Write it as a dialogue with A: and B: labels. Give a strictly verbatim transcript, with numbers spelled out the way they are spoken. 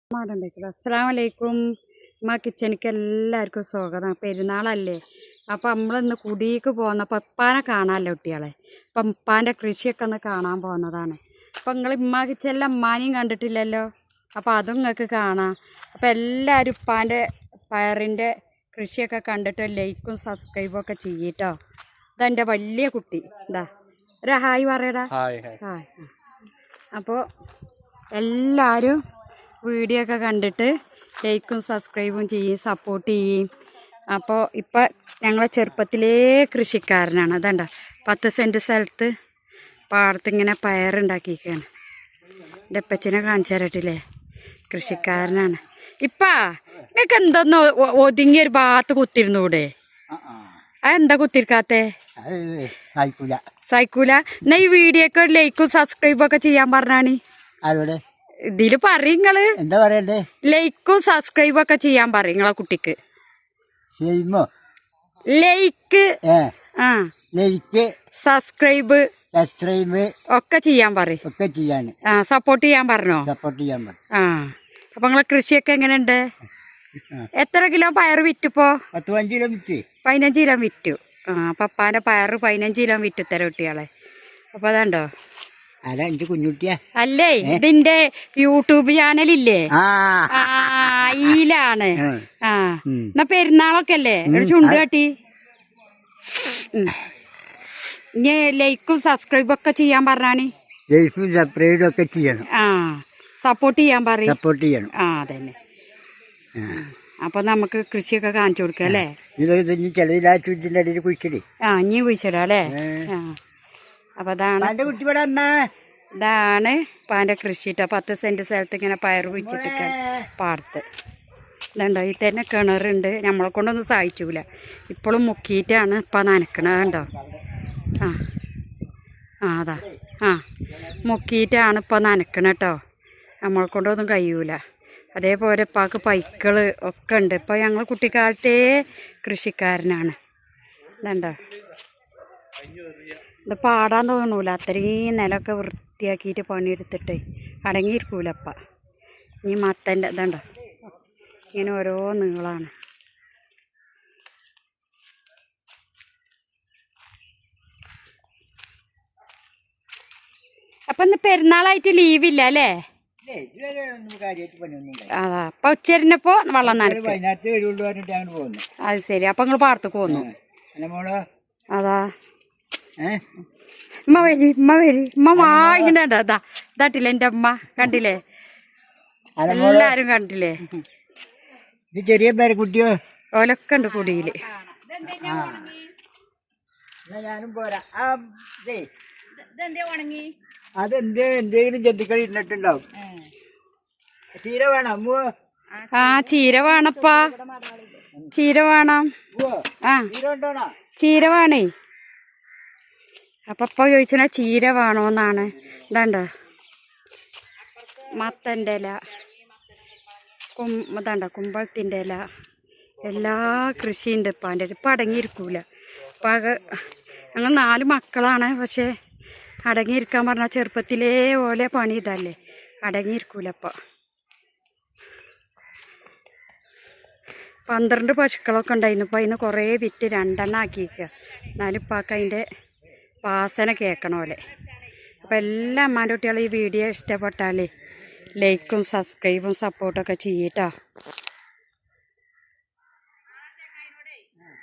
A: അസ്സലാമലൈക്കും. ഉമ്മ കിച്ചണിക്ക് എല്ലാവർക്കും സ്വാഗതം. പെരുന്നാളല്ലേ, അപ്പം നമ്മളിന്ന് കുടിക്ക് പോകുന്നപ്പോൾ ഉപ്പാനെ കാണാമല്ലോ കുട്ടികളെ. അപ്പം ഉപ്പാൻ്റെ കൃഷിയൊക്കെ ഒന്ന് കാണാൻ പോകുന്നതാണ്. അപ്പം നിങ്ങൾ ഉമ്മ കിച്ചണിലെ ഉമ്മാനെയും കണ്ടിട്ടില്ലല്ലോ, അപ്പം അതും നിങ്ങൾക്ക് കാണാം. അപ്പം എല്ലാവരും ഉപ്പാൻ്റെ പയറിൻ്റെ കൃഷിയൊക്കെ കണ്ടിട്ട് ലൈക്കും സബ്സ്ക്രൈബും ഒക്കെ ചെയ്യട്ടോ. ഇതെൻ്റെ വലിയ കുട്ടി, ഇതാ ഒരു ഹായ് പറയടാ. ഹായ്. അപ്പോൾ എല്ലാവരും വീഡിയോ ഒക്കെ കണ്ടിട്ട് ലൈക്കും സബ്സ്ക്രൈബും ചെയ്യും, സപ്പോർട്ട് ചെയ്യും. അപ്പോൾ ഇപ്പം ഞങ്ങളെ ചെറുപ്പത്തിലേ കൃഷിക്കാരനാണ്. അതണ്ട പത്ത് സെൻറ്റ് സ്ഥലത്ത് പാടത്തിങ്ങനെ പയറുണ്ടാക്കിയിരിക്കുകയാണ്. എൻ്റെ അപ്പച്ചനെ കാണിച്ചു തരട്ടില്ലേ, കൃഷിക്കാരനാണ്. ഇപ്പാ നിങ്ങൾക്ക് എന്തൊന്ന് ഒതുങ്ങിയ ഒരു ഭാഗത്ത് കുത്തിരുന്നൂടെ? അതെന്താ കുത്തിരിക്കാത്തേ? സൈക്കൂല. എന്നാ ഈ വീഡിയോക്ക് ഒരു ലൈക്കും സബ്സ്ക്രൈബും ഒക്കെ ചെയ്യാൻ പറഞ്ഞാണ്. ഇതില് പറയങ്ങള് എന്താ പറയണ്ടേ? ലൈക്കും സബ്സ്ക്രൈബും ഒക്കെ ചെയ്യാൻ പറയും നിങ്ങളെ കുട്ടിക്ക്. ലൈക്ക് ആ ലൈക്ക് സബ്സ്ക്രൈബ് സബ്സ്ക്രൈബ് ഒക്കെ ചെയ്യാൻ പറയും. ഒക്കെ ചെയ്യാൻ ആ സപ്പോർട്ട് ചെയ്യാൻ പറഞ്ഞോ? സപ്പോർട്ട് ചെയ്യാൻ പറഞ്ഞു. ആ അപ്പൊ നിങ്ങളെ കൃഷിയൊക്കെ എങ്ങനെയുണ്ട്? എത്ര കിലോ പയർ വിറ്റിപ്പോ? പത്ത് പതിനഞ്ച് കിലോ വിറ്റ്. പതിനഞ്ച് കിലോ വിറ്റു. ആ പപ്പാന്റെ പയറ് പതിനഞ്ച് കിലോ വിറ്റു തരാം കുട്ടികളെ. അപ്പൊ അതാണ്ടോ കുഞ്ഞുട്ടിയാ അല്ലേ, ഇതിന്റെ യൂട്യൂബ് ചാനലില്ലേ, ഈലാണ്. ആ എന്നാ പെരുന്നാളൊക്കെ അല്ലേ, ഒരു ചുണ്ട് കാട്ടി. ഇനി ലൈക്കും സബ്സ്ക്രൈബും ഒക്കെ ചെയ്യാൻ പറഞ്ഞാണ്. ലൈക്കും സബ്സ്ക്രൈബും ഒക്കെ ചെയ്യണം. ആ സപ്പോർട്ട് ചെയ്യാൻ പറയും. സപ്പോർട്ട് ചെയ്യണം. ആ അതന്നെ. അപ്പൊ നമുക്ക് കൃഷിയൊക്കെ കാണിച്ചു കൊടുക്കാം അല്ലേ. ആ ഇനി കുഴിച്ചിടാം അല്ലേ. ആ അപ്പൊ അതാണ് ഇതാണ് പാൻ്റെ കൃഷിട്ടോ. പത്ത് സെന്റ് സ്ഥലത്ത് ഇങ്ങനെ പയർ കുഴിച്ചിട്ടൊക്കെ പാടത്ത് ഇതുണ്ടോ. ഈ തന്നെ കിണറുണ്ട്, നമ്മളെ കൊണ്ടൊന്നും സഹായിച്ചൂല. ഇപ്പോഴും മുക്കിയിട്ടാണ് ഇപ്പം നനക്കണത് കണ്ടോ. ആ ആ അതാ ആ മുക്കിയിട്ടാണ് ഇപ്പം നനക്കണ കേട്ടോ. നമ്മളെ കൊണ്ടൊന്നും കഴിയൂല. അതേപോലെ ഇപ്പാക്ക് പൈക്കൾ ഒക്കെ ഉണ്ട്. ഇപ്പോൾ ഞങ്ങൾ കുട്ടിക്കാലത്തേ കൃഷിക്കാരനാണ്. ഇതുണ്ടോ, ഇത് പാടാൻ തോന്നൂല, അത്രയും നിലമൊക്കെ വൃത്തിയാക്കിയിട്ട് പണിയെടുത്തിട്ട് അടങ്ങിയിരിക്കൂലപ്പ. ഇനി മത്തൻ്റെ ഇതുണ്ടോ, ഇങ്ങനെ ഓരോ നീളാണ്. അപ്പം ഇന്ന് പെരുന്നാളായിട്ട് ലീവില്ല അല്ലേ? അതാ അപ്പൊ ഉച്ചരിഞ്ഞപ്പോ വെള്ളം നനക്കും. അത് ശരി. അപ്പൊ നിങ്ങള് പാടത്തേക്ക് പോന്നു. അതാ ഉമ്മ വരി ഉമ്മ വരി ഉമ്മ വാങ്ങിണ്ട. ഇതാ ഇതാട്ടില്ലേ എന്റെ അമ്മ, കണ്ടില്ലേ? എല്ലാരും കണ്ടില്ലേ? ചെറിയ പേരക്കുട്ടിയോ ഓലൊക്കെ ഉണ്ട് കുടിയില്. അതെന്തേ എന്തെങ്കിലും ജന്തുക്കൾ ഇരുന്നിട്ടുണ്ടാവും. ചീര വേണം. ആ ചീര വേണപ്പാ, ചീര വേണം. ആ ചീര വേണേ. അപ്പൊ ഇപ്പൊ ചോദിച്ചാ ചീര വേണോന്നാണ്. ഇതാണ്ടോ മത്തൻ്റെ ഇല, കും ഇതാണ്ടോ കുമ്പളത്തിൻ്റെ ഇല, എല്ലാ കൃഷിയുണ്ട് ഇപ്പാൻ്റെ. ഇപ്പം അടങ്ങിയിരിക്കൂല. ഇപ്പം ആകെ ഞങ്ങൾ നാല് മക്കളാണ്. പക്ഷേ അടങ്ങിയിരിക്കാൻ പറഞ്ഞാൽ ചെറുപ്പത്തിലേ പോലെ പണി ഇതല്ലേ, അടങ്ങിയിരിക്കൂലപ്പോൾ. പന്ത്രണ്ട് പശുക്കളൊക്കെ ഉണ്ടായിരുന്നു. ഇപ്പോൾ അതിന് കുറേ വിറ്റ് രണ്ടെണ്ണം ആക്കിയിരിക്കുക. എന്നാലും ഇപ്പൊക്കെ അതിൻ്റെ വാസന കേൾക്കണ പോലെ. അപ്പോൾ എല്ലാ അമ്മാൻ്റെ കുട്ടികളും ഈ വീഡിയോ ഇഷ്ടപ്പെട്ടാൽ ലൈക്കും സബ്സ്ക്രൈബും സപ്പോർട്ടൊക്കെ ചെയ്യട്ടോ.